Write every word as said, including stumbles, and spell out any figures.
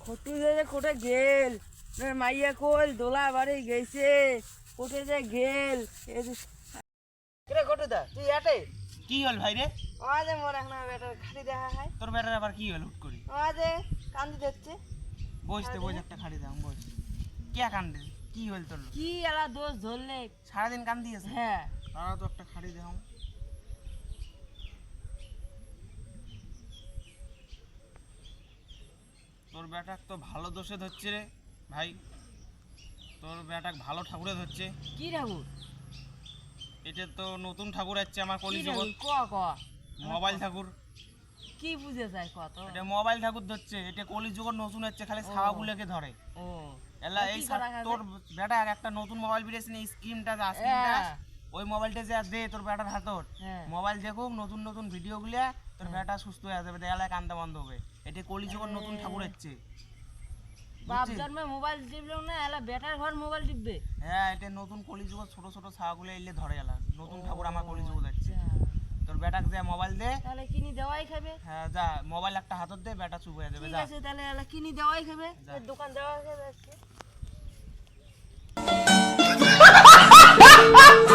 খটু যে কোটে গেল মাইয়া কল দোলা বাড়ি গেছে কোটে যে গেল রে কোটে দা তুই আটে কি হল ভাই রে? আজে মোর এখন বেটার খালি দেখা হয়। তোর বেটার আবার কি হল হুট করে? আজে কান্দি দিচ্ছে। বসতে বস একটা খাড়ি দাও বস। কে কান্দে? কি হল তোর? কি এলা দোষ ধরলে সারাদিন কান্দি আছে? হ্যাঁ তারা তো একটা খাড়ি দাও। তোর বেটা তো ভালো দোষে ধরছে রে ভাই। তোর বেটা ভালো ঠাকুরে ধরছে। কি ঠাকুর? এটা তো নতুন ঠাকুর আছে আমার কলি কি জগৎ। ঠাকুর? ক ক মোবাইল ঠাকুর। কি বুঝে যায় কত? এটা মোবাইল ঠাকুর ধরছে। এটা কলি জগৎ নতুন হচ্ছে খালি ছাওয়াগুলোকে ধরে। ও এলা এই তোর বেটা একটা নতুন মোবাইল বেরিয়েছে না স্ক্রিনটা যা স্ক্রিনটা ওই মোবাইলটা যা দে তোর বেটার হাতত মোবাইল দেখুক নতুন নতুন ভিডিও গুলা তোর বেটা সুস্থ হয়ে যাবে দেয়ালে কান্দা বন্ধ হবে। এটা কলি জগৎ নতুন ঠাকুর হচ্ছে। বাপ জন্মে মোবাইল টিপলো না এলা বেটার ঘর মোবাইল টিপবে। হ্যাঁ এটা নতুন কলি জগৎ ছোট ছোট ছাওয়াগুলো এলে ধরে এলা নতুন ঠাকুর আমার কলি জগৎ হচ্ছে। তোর বেটাকে যা মোবাইল দে তাহলে কিনি দেওয়াই খাবে। হ্যাঁ যা মোবাইল একটা হাতত দে বেটা চুপ হয়ে যাবে। ঠিক যা আছে তাহলে এলা কিনি দেওয়াই খাবে। দোকান দেওয়া খাবে আজকে।